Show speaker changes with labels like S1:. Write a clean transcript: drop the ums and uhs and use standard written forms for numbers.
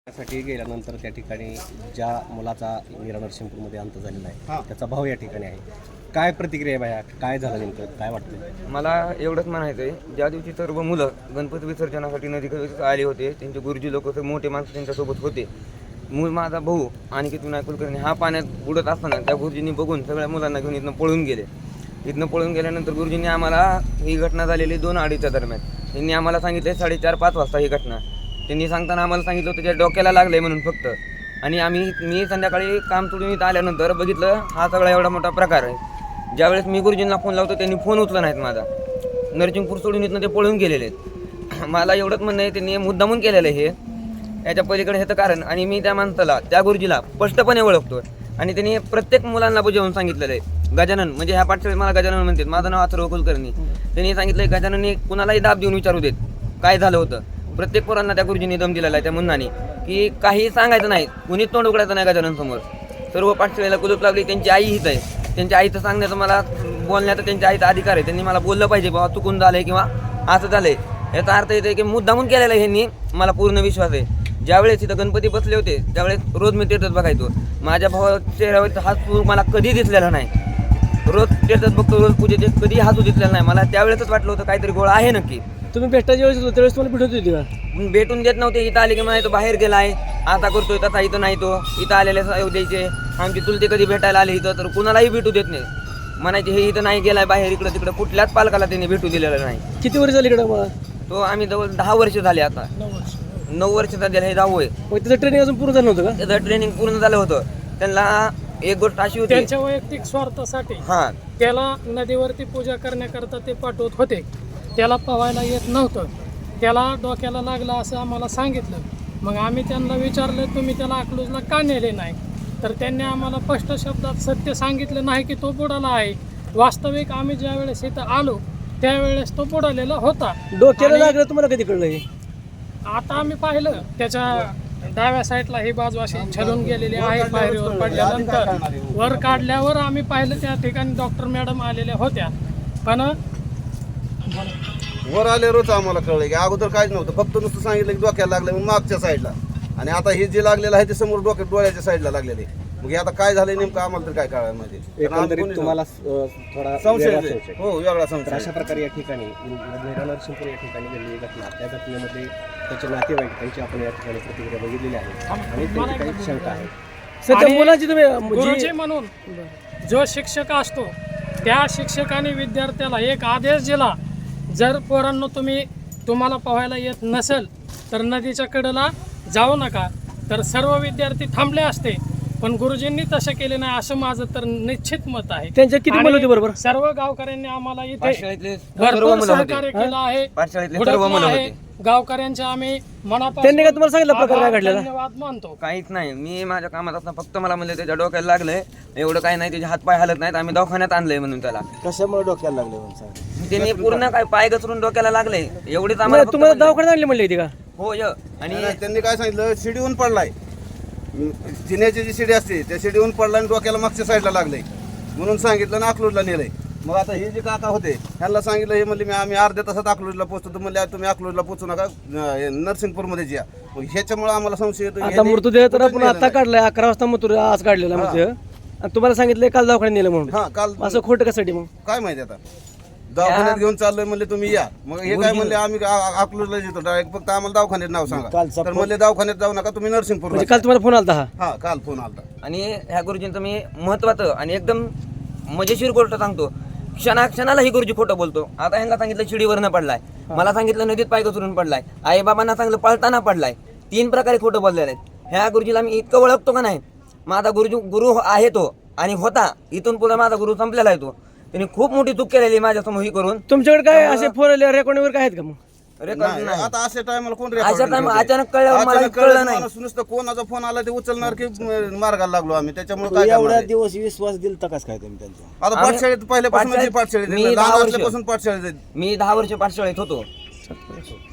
S1: साठी गेल्यानंतर त्या ठिकाणी ज्या मुलाचा मीरा नरसिंहपूरमध्ये अंत झालेला आहे त्याचा भाऊ या ठिकाणी आहे. काय प्रतिक्रिया आहे बाया, काय झालं नेमकं, काय वाटतं?
S2: मला एवढंच म्हणायचं आहे, ज्या दिवशी सर्व मुलं गणपती विसर्जनासाठी नदीकडे आले होते, त्यांचे गुरुजी लोक मोठे माणसं त्यांच्यासोबत होते. मूळ माझा भाऊ अनिकेत विनायक कुलकर्णी हा पाण्यात बुडत असताना त्या गुरुजींनी बघून सगळ्या मुलांना घेऊन इथनं पळून गेले. इथनं पळून गेल्यानंतर गुरुजींनी आम्हाला ही घटना झालेली 2-2:30च्या दरम्यान त्यांनी आम्हाला सांगितले 4:30-5 वाजता ही घटना. त्यांनी सांगताना आम्हाला सांगितलं त्याच्या डोक्याला लागले म्हणून फक्त. आणि मी संध्याकाळी काम सोडून इथं आल्यानंतर बघितलं हा सगळा एवढा मोठा प्रकार आहे. ज्यावेळेस मी गुरुजींना फोन लावतो त्यांनी फोन उचलला नाहीत माझा. नरसिंहपूर सोडून इथनं ते पळून गेलेले आहेत. मला एवढंच म्हणणं आहे त्यांनी मुद्दामून केलेलं आहे हे, याच्या पलीकडे हे तर कारण. आणि मी त्या माणसाला त्या गुरुजीला स्पष्टपणे ओळखतो आणि त्यांनी प्रत्येक मुलांना बुजवून सांगितलेलं आहे. गजानन म्हणजे ह्या पाठशाळेत मला गजानन म्हणतात, माझं नाव अथर्व कुलकर्णी. त्यांनी सांगितलं गजाननने कुणालाही दाब देऊन विचारू देत काय झालं होतं. प्रत्येक पोरांना त्या गुरुजींनी दम दिलेला आहे त्या मुन्नाने की काही सांगायचं नाही, कुणीच तोंड उघडायचं नाही गजानन समोर. सर्व पाठशाळेला कुलूप लागली. त्यांची आई हित आहे, त्यांच्या आईचं सांगण्याचं मला बोलण्याचा त्यांच्या आईचा अधिकार आहे. त्यांनी मला बोललं पाहिजे बाबा चुकून झालंय किंवा असं झालंय. याचा अर्थ येतो की मुद्दामून केलेला आहे ह्यांनी, मला पूर्ण विश्वास आहे. ज्यावेळेस इथं गणपती बसले होते त्यावेळेस रोज मी तीर्थच बघायचो. माझ्या भावाच्या चेहऱ्यावर हा सूर मला कधी दिसलेला नाही. रोज तीर्थच बघतो, रोज पूजेत कधी हसू दिसलेला नाही. मला त्यावेळेसच वाटलं होतं काहीतरी गोळ आहे नक्की.
S3: तुम्ही भेटायच्या वेळेस होतो त्यावेळेस तुम्हाला भेटत होती का?
S2: भेटून देत नव्हते. इथं आले की म्हणायचो बाहेर गेलाय, आता करतोय तसा इथं नाही. तो इथं आलेले द्यायचे. आमची चुलते कधी भेटायला आले इथं तर कुणालाही भेटू देत नाही. म्हणायचे हे इथं नाही गेलाय बाहेर, इकडं तिकडं कुठल्याच पालकाला त्यांनी भेटू दिलेलं नाही.
S3: किती वर्ष झाली इकडे मला?
S2: तो आम्ही जवळ 10 वर्ष झाले. आता 9 वर्ष झाले, हे 10वं आहे.
S3: मग त्याचं ट्रेनिंग अजून पूर्ण झालं नव्हतं का?
S2: त्याचं ट्रेनिंग पूर्ण झालं होतं. त्यांना एक गोष्ट अशी होती,
S4: त्यांच्या वैयक्तिक स्वार्थासाठी त्याला नदीवरती पूजा करण्याकरता ते पाठवत होते. त्याला पोहायला येत नव्हतं, त्याला डोक्याला लागलं असं आम्हाला सांगितलं. मग आम्ही त्यांना विचारलं तुम्ही त्याला अकलूजला का नेले नाही, तर त्यांनी आम्हाला स्पष्ट शब्दात सत्य सांगितलं नाही की तो बुडाला आहे. वास्तविक आम्ही ज्या वेळेस इथं आलो त्यावेळेस तो बुडालेला होता.
S3: डोक्याला लागलं तुम्हाला कधी कळलं हे?
S4: आता आम्ही पाहिलं त्याच्या डाव्या साईडला ही बाजू अशी छलून गेलेली आहे. पायरीवर पडल्यानंतर वर काढल्यावर आम्ही पाहिलं त्या ठिकाणी डॉक्टर मॅडम आलेल्या होत्या. पण
S5: वर आल्यावरच आम्हाला कळलं की अगोदर काहीच नव्हतं, फक्त नुसतं सांगितलं की डोक्याला लागलं म्हणून मागच्या साईडला. आणि आता हे जे लागलेलं आहे ते समोर डोळ्याच्या साईडला लागलेले. मग आता काय झालं नेमकं आम्हाला तर काय कळायला माहिती.
S1: एकंदरीत तुम्हाला थोडा
S5: संशय
S1: वेगळा संशय.
S5: हो वेगळा
S1: तर
S5: संशय.
S1: अशा प्रकारे या ठिकाणी मीरा नरसिंहपूर या ठिकाणी घडलेली घटना, त्या घटनेमध्ये त्याचे नातेवाईक त्यांची आपण या ठिकाणी प्रतिक्रिया बघितलेली आहे आणि त्यांची काही शंका आहे.
S3: सध्या मुलाची तुम्ही
S4: गुरुजी म्हणून जो शिक्षक असतो त्या शिक्षकाने विद्यार्थ्याला एक आदेश दिला, जर पोरांनो तुम्हाला पोहायला येत नसेल तर नदीच्या कडेला जाऊ नका. तर सर्व विद्यार्थी थांबले असते, पण गुरुजींनी तसे केले नाही असं माझं तर निश्चित मत आहे.
S3: त्यांच्या किती मुलं होती बरोबर?
S4: सर्व गावकऱ्यांनी आम्हाला इथे
S2: पाठशाळेतले सर्व
S4: भरपूर
S2: मुलं होते.
S4: सहकार्य केलं आहे.
S2: पाठशाळेतले सर्व मुलं
S4: आहे.
S2: होते.
S4: गावकऱ्यांचे आम्ही मनापासून
S3: त्यांनी काय तुम्हाला सांगितलं प्रकार काय घडलेला?
S4: धन्यवाद मानतो.
S2: काहीच नाही. मी माझ्या कामात असताना फक्त मला म्हणले त्याच्या डोक्याला लागलंय, एवढं काही नाही, त्याचे हातपाय हलत नाहीत, आम्ही दवाखान्यात आणलंय म्हणून. त्याला
S1: कशामुळे डोक्याला लागले म्हणून
S2: त्यांनी पूर्ण काय पाय घसरून डोक्याला लागले एवढेच आम्हाला फक्त
S3: तुम्हाला
S2: म्हणले.
S3: दवाखान्यात आणली म्हणली होती का?
S2: हो य आणि
S5: त्यांनी काय सांगितलं शिडीहून पडलाय, जिन्याची जी शिडी असते त्या शिडीहून पडला आणि डोक्याला मागच्या साईडला लागलंय म्हणून सांगितलं ना अकलूजला नेलंय. मग आता हे जे काका होते ह्यांना सांगितलं, हे म्हणले आम्ही अर्ध्या तासात अकलूजला पोहोचतो. म्हणले तुम्ही अकलूजला पोहोचू नका, नरसिंहपूरमध्ये या. मग ह्याच्यामुळे आम्हाला संशय येतो.
S3: आता मृतदेह तर आपण आता काढलाय, 11 वाजता मृतदेह आज काढलेला मृतदेह, आणि तुम्हाला सांगितलं काल दवाखान्यात नेलं म्हणून.
S5: हा काल
S3: असं खोटं कशासाठी मग?
S5: काय माहिती आता दवाखान्यात घेऊन चाललोय म्हणले तुम्ही या. मग हे काय म्हणले आम्ही अकलूजला येतो डायरेक्ट, फक्त आम्हाला दवाखान्यात नाव सांगा. तर म्हणले दवाखान्यात जाऊ नका, तुम्ही नरसिंहपूर.
S3: म्हणजे काल तुम्हाला फोन आलता हा?
S5: हा काल फोन आलता.
S2: आणि ह्या गुरुजींचं मी महत्वाचं आणि एकदम मजेशीर गोष्ट सांगतो. क्षणाला ही गुरुजी खोटं बोलतो. आता ह्यांना सांगितलं शिडीवरनं पडलाय, मला सांगितलं नदीत पाय घसरून पडलाय, आई बाबांना सांगितलं पळताना पडलाय. 3 प्रकारे खोटं बोललेले आहेत. ह्या गुरुजीला मी इतकं ओळखतो का नाही, माझा गुरु आहे तो आणि होता. इथून पुढे माझा गुरु संपलेला आहे तो. त्यांनी खूप मोठी चूक केलेली माझ्या समोर ही करून.
S3: तुमच्याकडे काय असे फोन रेकॉर्डिंग वगैरे काय आहेत का मग?
S2: रेकॉर्ड नाही.
S5: आता अशा टायमाला कोण
S2: अशा टाइम अचानक कळल्यावर मला कळलं नाही.
S5: नुसतं कोणाचा फोन आला ते उचलणार की मार्गाला लागलो आम्ही. त्याच्यामुळे काय
S1: एवढ्या
S5: करणार?
S1: दिवस विश्वास दिला काय तुम्ही त्यांचा?
S5: आता पाठशाळेत पहिल्यापासून
S2: मी
S5: पाठशाळेत
S2: 10 वर्ष.
S5: पाठशाळेत
S2: मी 10 वर्ष पाठशाळेत होतो.